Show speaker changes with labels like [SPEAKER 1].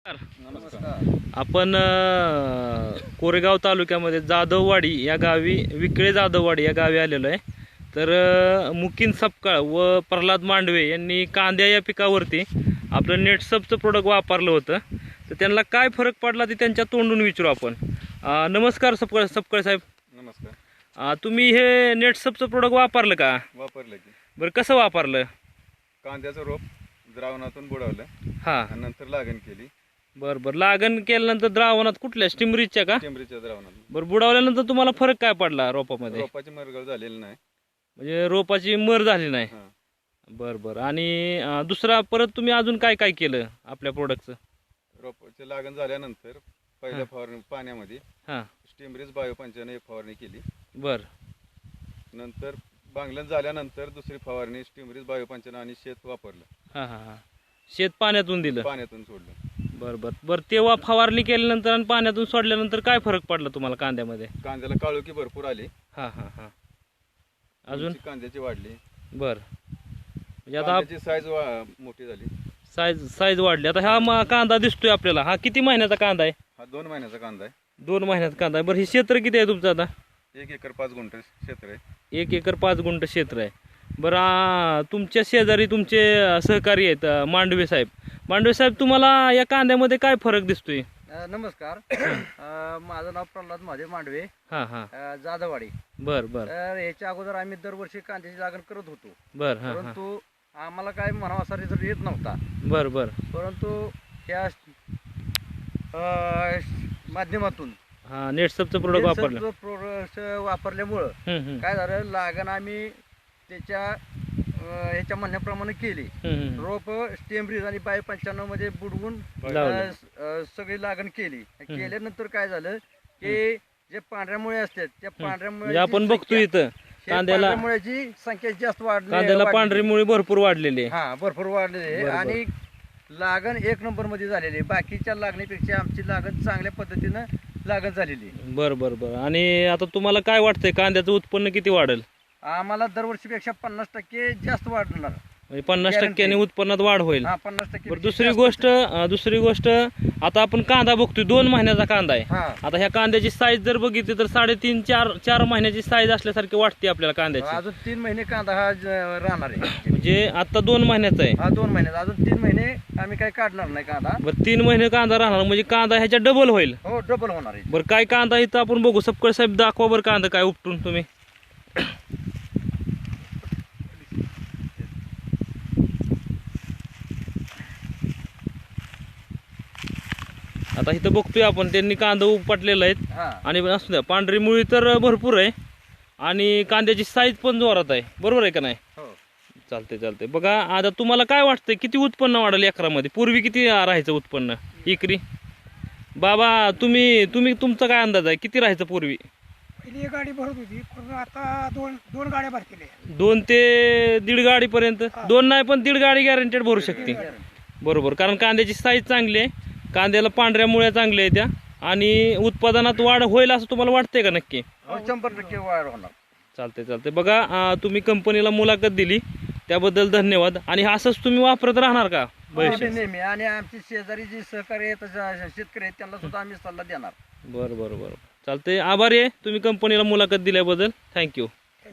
[SPEAKER 1] नमस्कार.
[SPEAKER 2] आपण कोरेगाव तालुक्यामध्ये जाधववाडी या गावी विकळे जाधववाडी या गावी आलेलो आहे. तर मुकीन सपकाळ व प्रल्हाद मांडवे यांनी कांद्या या पिकावरती आपलं नेटसपचं प्रोडक्ट वापरलं होतं. तर त्यांना काय फरक पडला ते त्यांच्या तोंडून विचारू आपण. नमस्कार सपकाळ साहेब.
[SPEAKER 1] नमस्कार.
[SPEAKER 2] तुम्ही हे नेटसपचं प्रोडक्ट वापरलं का?
[SPEAKER 1] वापरलं की.
[SPEAKER 2] बरं, कसं वापरलं?
[SPEAKER 1] कांद्याचं रोप द्रावणातून बुडवलं
[SPEAKER 2] हां,
[SPEAKER 1] आणि नंतर लागण केली.
[SPEAKER 2] बरं. लागण केल्यानंतर द्रावणात कुठल्या स्टिमरीजच्या का?
[SPEAKER 1] टेंबरीच्या द्रावणात.
[SPEAKER 2] बरं, बुडावल्यानंतर तुम्हाला फरक काय पडला रोपामध्ये?
[SPEAKER 1] रोपाची मरगळ झालेली नाही.
[SPEAKER 2] म्हणजे रोपाची मर झाली नाही.
[SPEAKER 1] हां.
[SPEAKER 2] बरं. आणि दुसरा परत तुम्ही अजून काय काय केलं आपल्या प्रोडक्टचं?
[SPEAKER 1] रोपाची लागण झाल्यानंतर पहिल्या फवारणी पाण्यामध्ये
[SPEAKER 2] हां,
[SPEAKER 1] स्टीमरीज बायोपंचाने एक फवारणी केली.
[SPEAKER 2] बरं.
[SPEAKER 1] नंतर बांगलन झाल्यानंतर दुसरी फवारणी स्टीमरीज बायोपंचाने आणि शेत वापरलं.
[SPEAKER 2] हां. शेत पाण्यातून दिलं.
[SPEAKER 1] पाण्यातून सोडलं.
[SPEAKER 2] बरं. तेव्हा फवारणी केल्यानंतर आणि पाण्यातून सोडल्यानंतर काय फरक पडला तुम्हाला कांद्यामध्ये?
[SPEAKER 1] कांद्याला काळोखी भरपूर आली.
[SPEAKER 2] हां. अजून?
[SPEAKER 1] उंची कांद्याची वाढली.
[SPEAKER 2] बरं. म्हणजे आता
[SPEAKER 1] कांद्याची साईज मोठी झाली.
[SPEAKER 2] साईज वाढली. आता हा कांदा दिसतोय आपल्याला, हा किती महिन्याचा कांदा आहे?
[SPEAKER 1] हा 2 महिन्याचा कांदा आहे.
[SPEAKER 2] 2 महिन्याचा कांदा आहे. बरं, हे क्षेत्र किती आहे तुमचं आता?
[SPEAKER 1] 1 एकर 5 गुंठ क्षेत्र आहे.
[SPEAKER 2] 1 एकर 5 गुंठ क्षेत्र आहे. बरं, तुमच्या शेजारी तुमचे सहकारी आहेत मांडवे साहेब. मांडवे साहेब, तुम्हाला या कांद्यामध्ये काय फरक दिसतोय?
[SPEAKER 3] नमस्कार. माझं नाव प्रल्हाद महादेव मांडवे,
[SPEAKER 2] हां.
[SPEAKER 3] जाधववाडी.
[SPEAKER 2] बरं.
[SPEAKER 3] तर याच्या अगोदर आम्ही दरवर्षी कांद्याची लागण करत होतो,
[SPEAKER 2] हां.
[SPEAKER 3] परंतु आम्हाला काय म्हणावा असा रिझल्ट येत नव्हता.
[SPEAKER 2] बरं.
[SPEAKER 3] परंतु या माध्यमातून
[SPEAKER 2] हां, नेटसपचं प्रोडक्ट वापरलं.
[SPEAKER 3] प्रोडक्ट वापरल्यामुळं काय झालं, लागण आम्ही त्याच्या ह्याच्या म्हणण्याप्रमाणे केली. रोप स्टेमब्रिज आणि बाय 95 मध्ये बुडवून सगळी लागण केली. केल्यानंतर काय झालं की जे पांढऱ्या मुळे असतात त्या पांढऱ्या
[SPEAKER 2] म्हणजे आपण बघतो इथं कांद्याला
[SPEAKER 3] मुळ्याची संख्या जास्त
[SPEAKER 2] कांद्याला पांढरी मुळी भरपूर वाढलेली आहे.
[SPEAKER 3] हा, भरपूर वाढलेली आहे आणि लागण 1 नंबर मध्ये झालेली आहे. बाकीच्या लागणीपेक्षा आमची लागण चांगल्या पद्धतीनं लागण झालेली आहे.
[SPEAKER 2] बरं. आणि आता तुम्हाला काय वाटतंय कांद्याचं उत्पन्न किती वाढेल?
[SPEAKER 3] आम्हाला दरवर्षीपेक्षा 50% जास्त वाढणार.
[SPEAKER 2] म्हणजे 50% उत्पन्नात वाढ होईल.
[SPEAKER 3] 50%.
[SPEAKER 2] दुसरी गोष्ट आता आपण कांदा बघतोय 2 महिन्याचा कांदा आहे. आता ह्या कांद्याची साईज जर बघितली तर 3.5-4 महिन्याची साईज असल्यासारखी वाटते आपल्याला कांद्याची.
[SPEAKER 3] अजून 3 महिने कांदा हा राहणार आहे.
[SPEAKER 2] म्हणजे आता 2 महिन्याचा आहे.
[SPEAKER 3] हा 2 महिन्याचा. अजून 3 महिने आम्ही काही काढणार नाही कांदा.
[SPEAKER 2] बरं, 3 महिने कांदा राहणार म्हणजे कांदा ह्याच्या डबल होईल.
[SPEAKER 3] हो, डबल होणार आहे.
[SPEAKER 2] बरं, काय कांदा इथं आपण बघू. सपकाळ साहेब, दाखवा बरं कांदा काय उपटून तुम्ही. आता इथं बघतोय आपण त्यांनी कांदा उपटलेला आहे. आणि असू द्या, पांढरी मुळी तर भरपूर आहे आणि कांद्याची साईज पण जोरात आहे. बरोबर आहे का नाही? चालते. बघा, आता तुम्हाला काय वाटतंय किती उत्पन्न वाढेल एकरामध्ये? पूर्वी किती राहायचं उत्पन्न एकरी? बाबा, तुम्ही तुमचा काय अंदाज आहे, किती राहायचं पूर्वी?
[SPEAKER 4] पहिली एक गाडी भरत होती, पण आता दोन गाड्या भरतील.
[SPEAKER 2] 2 ते 1.5 गाडीपर्यंत. 2 नाही पण 1.5 गाडी गॅरंटेड भरू शकते. बरोबर, कारण कांद्याची साईज चांगली आहे, कांद्याला पांढऱ्या मुळ्या चांगल्या आहेत त्या, आणि उत्पादनात वाढ होईल असं तुम्हाला वाटतंय का नक्की?
[SPEAKER 3] 100% वाढ होणार.
[SPEAKER 2] चालते. बघा, तुम्ही कंपनीला मुलाखत दिली त्याबद्दल धन्यवाद. आणि असंच तुम्ही वापरत राहणार का भविष्यात?
[SPEAKER 3] नेहमी. आणि आमची शेजारी जी सहकारी आहेत, शेतकरी आहेत, त्यांना सुद्धा आम्ही सल्ला देणार.
[SPEAKER 2] बरं. चालतंय. आभारी आहे तुम्ही कंपनीला मुलाखत दिल्याबद्दल. थँक्यू.